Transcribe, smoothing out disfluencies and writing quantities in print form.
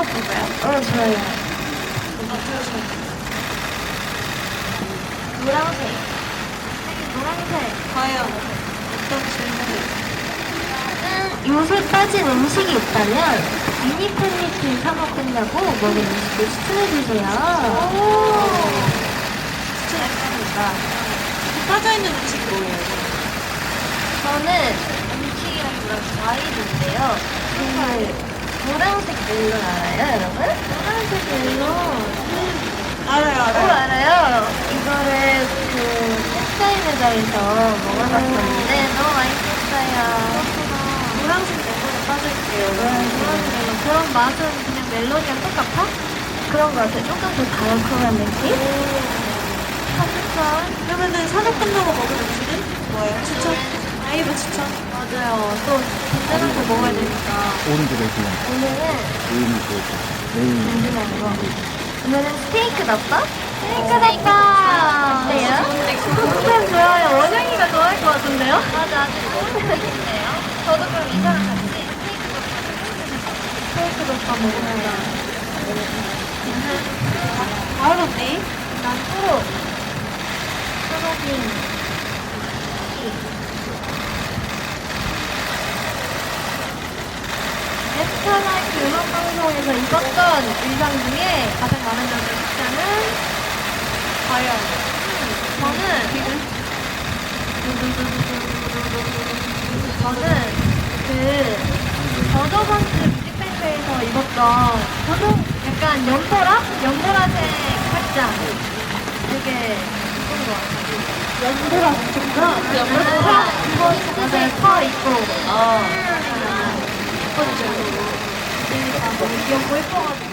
볼까요? 좋아요. 노란색. 노란색. 과연 어떤 질문을? 요새 빠진 음식이 있다면 미니 팬미팅 사 먹는다고 먹은 음식을 추천해주세요. 추천합니다. 빠져있는 음식 뭐예요? 저는 음식이랑 과일인데요. 정말 노란색 멜론 알아요, 여러분? 노란색 멜론. 알아요, 알아요. 이거를 햇살 매장에서 먹어봤었는데 너무 맛있었어요. 노란색 멜론에 빠져있게요. 노란색 멜론. 그런 맛은 그냥 멜론이랑 똑같아? 그런 거 같아요. 조금 더 달콤한 느낌? 삼겹살. 그러면은 사격 끝나고 먹은 음식은 뭐예요? 추천? 아이브 추천? 맞아요. 또 든든한 거 먹어야 되니까. 오른쪽에 그냥 오늘은 메인이 그거죠. 메인. 든든한 거. 오늘은 스테이크 덮밥? 스테이크 덮밥! 어때요? 좋아요. 원영이가 좋아할 것 같은데요? 맞아, 아주 좋은 스테이크인데요. 저도 그럼 이사랑 같이 스테이크 덮밥 먹으면 다음 언니? 난 초록. 초록이. 에스타라이트 음악방송에서 입었던 의상 중에 가장 마음에 들었던 의상은 과연 저는 버저번트 뮤직뱅크에서 입었던 저도 약간 연보라색 팔짱 되게 예쁜 것 같아요. 연보라색인가? 연보라 이거 진짜 퍼 있고 예뻤죠. 되게 다 너무 귀엽고 예뻐가지고